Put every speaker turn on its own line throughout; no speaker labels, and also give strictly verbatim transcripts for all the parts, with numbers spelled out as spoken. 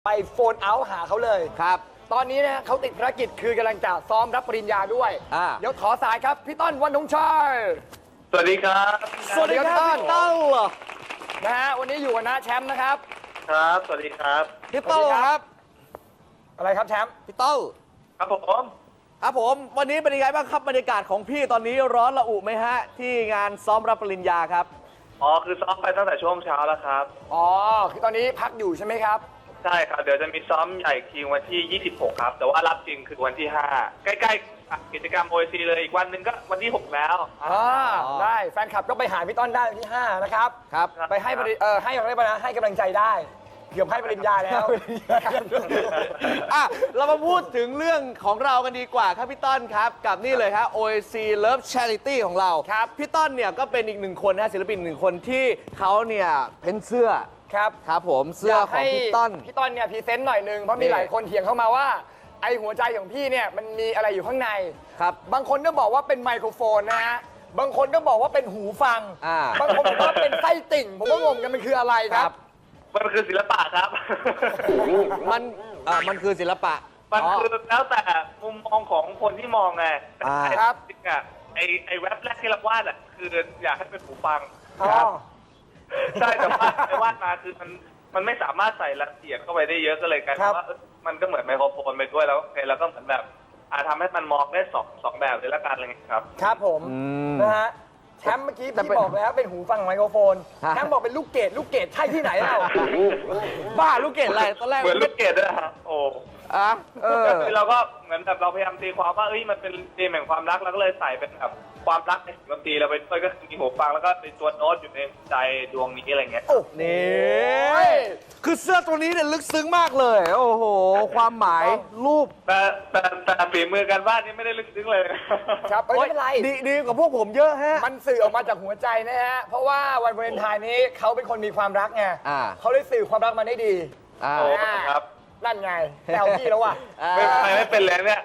ไปโฟนเอาท์หาเขาเลยครับตอนนี้นะเขาติดภารกิจคือกำลังจะซ้อมรับปริญญาด้วยเดี๋ยวขอสายครับพี่ต้นวันนงชัย
สวัสดีครับ
สวัสดีครับพี่ต้นนะฮะวันนี้อยู่กับน้าแชมป์นะครับ
ครับสวัสดีครับ
พี่ต้นครับอะไรครับแชมป์
พี่ต้น
ครับผม
ครับผมวันนี้เป็นยังไงบ้างครับบรรยากาศของพี่ตอนนี้ร้อนระอุไหมฮะที่งานซ้อมรับปริญญาครับ
อ๋อคือซ้อมไปตั้งแต่ช่วงเช้าแล้วครับ
อ๋อคือตอนนี้พักอยู่ใช่ไหมครับ
ใช่ครับเดี๋ยวจะมีซ้อมใหญ่ทีวันที่ยี่สิบหกครับแต่ว่ารับจริงคือวันที่ห้าใกล้ๆกิจกรรม โอ ซี เลยอีกวันหนึ่งก็วันที่หกแล้ว
อ่าได้แฟนคลับก็ไปหาพี่ต้นได้วันที่ห้านะครับครับไปให้เออให้อะไรบ้างนะให้กำลังใจได้เกือบให้ปริญญาแล้ว
อ่ะเรามาพูดถึงเรื่องของเรากันดีกว่าครับพี่ต้นครับกับนี่เลยครับ โอ ซี Love Charity ของเราครับพี่ต้นเนี่ยก็เป็นอีกหนึ่งคนนะศิลปินหนึ่งคนที่เขาเนี่ยเพ้นเสื้อ
ครับ
ครับผมเสื้อของพี่ต้น
พี่ต้นเนี่ยพรีเซนต์หน่อยนึงเพราะมีหลายคนเถียงเข้ามาว่าไอหัวใจของพี่เนี่ยมันมีอะไรอยู่ข้างใน
ครับ
บางคนก็บอกว่าเป็นไมโครโฟนนะฮะบางคนก็บอกว่าเป็นหูฟังบางคนบอกว่าเป็นไส้ติ่งผมก็งงกันมันคืออะไรครับ
มันคือศิลปะครับ
มันอ่ามันคือศิลปะ
มันคือแล้วแต่มุมมองของคนที่มองไง
ครับ
จริงอ่ะไอไอเว็บแรกที่เราวาดอ่ะคืออยากให้เป็นหูฟัง
ครับ
ใช่แต่ว่าไอวาดมาคือมันมันไม่สามารถใส่รายละเอียดเข้าไปได้เยอะก็เลยกลายเป็นว่ามันก็เหมือนไมโครโฟนไปด้วยแล้วแล้วก็เหมือนแบบอาจทำให้มันมองได้สองสองแบบเลยละกันอะไรเงี้ยครับ
ครับผมนะฮะแชมป์เมื่อกี้พี่บอกแล้วเป็นหูฟังไมโครโฟนแชมป์บอกเป็นลูกเกดลูกเกดใช่ที่ไหนเล่า
บ้าลูกเกดอะไรตอนแรก
เหมือนลูกเกดด้วยฮะโอ้
อ่ะเออ
เราก็เหมือนแบบเราพยายามตีความว่าเอ้ยมันเป็นเกมแห่งความรักเราก็เลยใส่เป็นแบบความรักในดนตรีเราไปด้วยก็มีหูฟังแล้วก็เป็นตัวโน้ตอยู่ในใจดวงนี้อะไรเงี้ย
โอ้นี่คือเสื้อตัวนี้เนี่ยลึกซึ้งมากเลยโอ้โหความหมายรูป
แต่แต่แต่ฝีมือการวาดนี่ไม่ได้ลึกซึ้งเลย
ครับไม่เป็นไร
ดีดีกว่าพวกผมเยอะฮะ
มันสื่อออกมาจากหัวใจนะฮะเพราะว่าวันวาเลนไทน์นี้เขาเป็นคนมีความรักไงเขาได้สื่อความรักมาได้ดี
โอ้ครับ
นั่นไงแซวพี่แล้วว่ะ
ไม่ไม่เป็นแล้วเนี่ย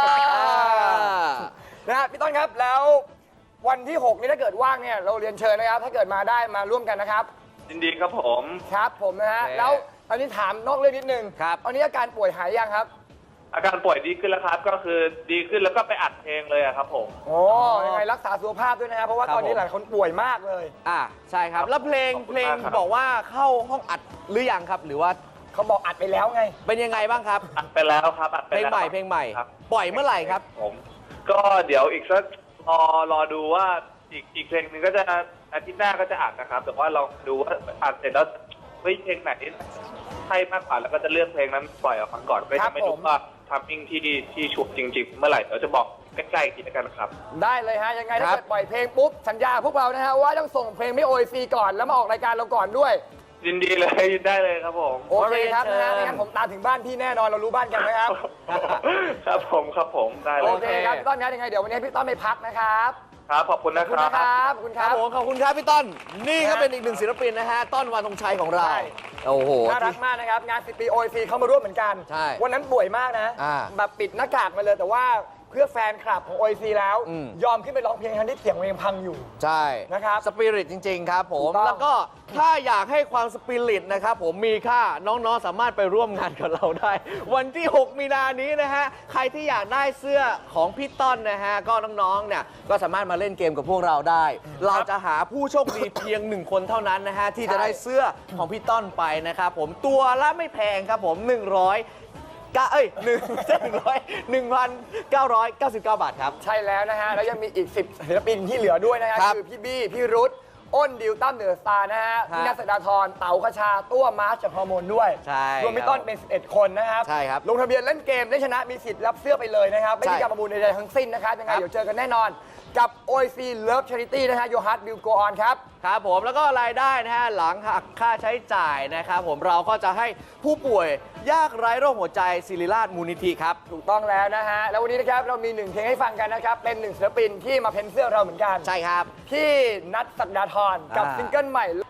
นะพี่ต้นครับแล้ววันที่หกนี้ถ้าเกิดว่างเนี่ยเราเรียนเชิญนะครับถ้าเกิดมาได้มาร่วมกันนะครับ
ยินดีครับผม
ครับผมนะฮะแล้วตอนนี้ถามนอกเรื่องนิดนึง
ครับ
ตอนนี้อาการป่วยหายยังครับ
อาการป่วยดีขึ้นแล้วครับก็คือดีขึ้นแล้วก็ไปอัดเพลงเลยครับผม
โอ้ยังไงรักษาสุขภาพด้วยนะครับเพราะว่าตอนนี้หลายคนป่วยมากเลย
อ่าใช่ครับแล้วเพลงเพลงบอกว่าเข้าห้องอัดหรือยังครับหรือว่า
เขาบอกอัดไปแล้วไง
เป็นยังไงบ้างครับ
อัดไปแล้วครับอัดไป
เพลงใหม่เพลงใหม่ปล่อยเมื่อไหร่ครับ
ผมก็เดี๋ยวอีกสักรอรอดูว่าอีกอีกเพลงหนึ่งก็จะอาทิตย์หน้าก็จะอัดนะครับแต่ว่าลองดูว่าอัดเสร็จแล้วเฮ้ยเพลงไหนใช่มากกว่าแล้วก็จะเลือกเพลงนั้นปล่อยออกมาก่อนก็จะไม่รู้ว่าทัมมิ่งที่ที่ชุบจริงๆเมื่อไหร่เดี๋ยวจะบอกใกล้ๆทีกันนะครับ
ได้เลยฮะยังไงถ้าเกิดปล่อยเพลงปุ๊บสัญญาพวกเรานะฮะว่าต้องส่งเพลงไม่โอซีก่อนแล้วมาออกรายการเราก่อนด้วย
ยินดีเลยยินได้เลยครับผม
โอเคครับนะฮะงั้นผมตามถึงบ้านพี่แน่นอนเรารู้บ้านกันไหมครับ
ครับผมครับผมได้เลย
โอเคครับพี่ต้นนะยังไงเดี๋ยววันนี้พี่ต้นไปพักนะครับ
ครับขอบคุณนะครับ
ขอบคุณครับ
ผมขอบคุณครับพี่ต้นนี่ก็เป็นอีกหนึ่งศิลปินนะฮะต้นวันธงชัยของเราโอ้โห
น่ารักมากนะครับงานสิบปี โอ ซี เข้ามาร่วมเหมือนกัน
ใช่
วันนั้นป่วยมากนะแบบปิดหน้ากากมาเลยแต่ว่าเพื่อแฟนคลับของ โอ ซี แล้วยอมขึ้นไปร้องเพลงทั้งที่เสียงเพลงพังอยู่
ใช่
นะครับ
สปิริตจริงๆครับผมแล้วก็ถ้าอยากให้ความสปิริตนะครับผมมีค่าน้องๆสามารถไปร่วมงานกับเราได้วันที่หกมีนานี้นะฮะใครที่อยากได้เสื้อของพี่ต้นนะฮะก็น้องๆเนี่ยก็สามารถมาเล่นเกมกับพวกเราได้เราจะหาผู้โชคดีเพียงหนึ่งคนเท่านั้นนะฮะที่จะได้เสื้อของพี่ต้นไปนะครับผมตัวละไม่แพงครับผมหนึ่งร้อยก็เอ้ยหนึ่งหนึ่งร้อยหนึ่งพันเก้าร้อยเก้าสิบเก้าบาทครับ
ใช่แล้วนะฮะแล้วยังมีอีกสิบศิลปินที่เหลือด้วยนะฮะคือพี่บี้พี่รุธอ้นดิวตั้มเดอะสตาร์นะฮะพี่นัท สดาธรเต๋าคชาตัวมาร์ชจากฮอร์โมนด้วยรวมพี่ต้นเป็นสิบเอ็ดคนนะครับ
ใช่ครับ
ลงทะเบียนเล่นเกมได้ชนะมีสิทธิ์รับเสื้อไปเลยนะครับไม่มีการประมูลใดๆทั้งสิ้นนะครับยังไงเดี๋ยวเจอกันแน่นอนกับ โอ ซี Love Charity นะฮะ Your Heart Will Go On ครับ
ครับผมแล้วก็รายได้นะฮะหลังหักค่าใช้จ่ายนะครับผมเราก็จะให้ผู้ป่วยยากไร้โรคหัวใจศิริราชมูลนิธิครับ
ถูกต้องแล้วนะฮะแล้ววันนี้นะครับเรามีหนึ่งเพลงให้ฟังกันนะครับเป็นหนึ่งศิลปินที่มาเพ้นเสื้อเราเหมือนกัน
ใช่ครับ
พี่นัท ศักดาธรกับซิงเกิลใหม่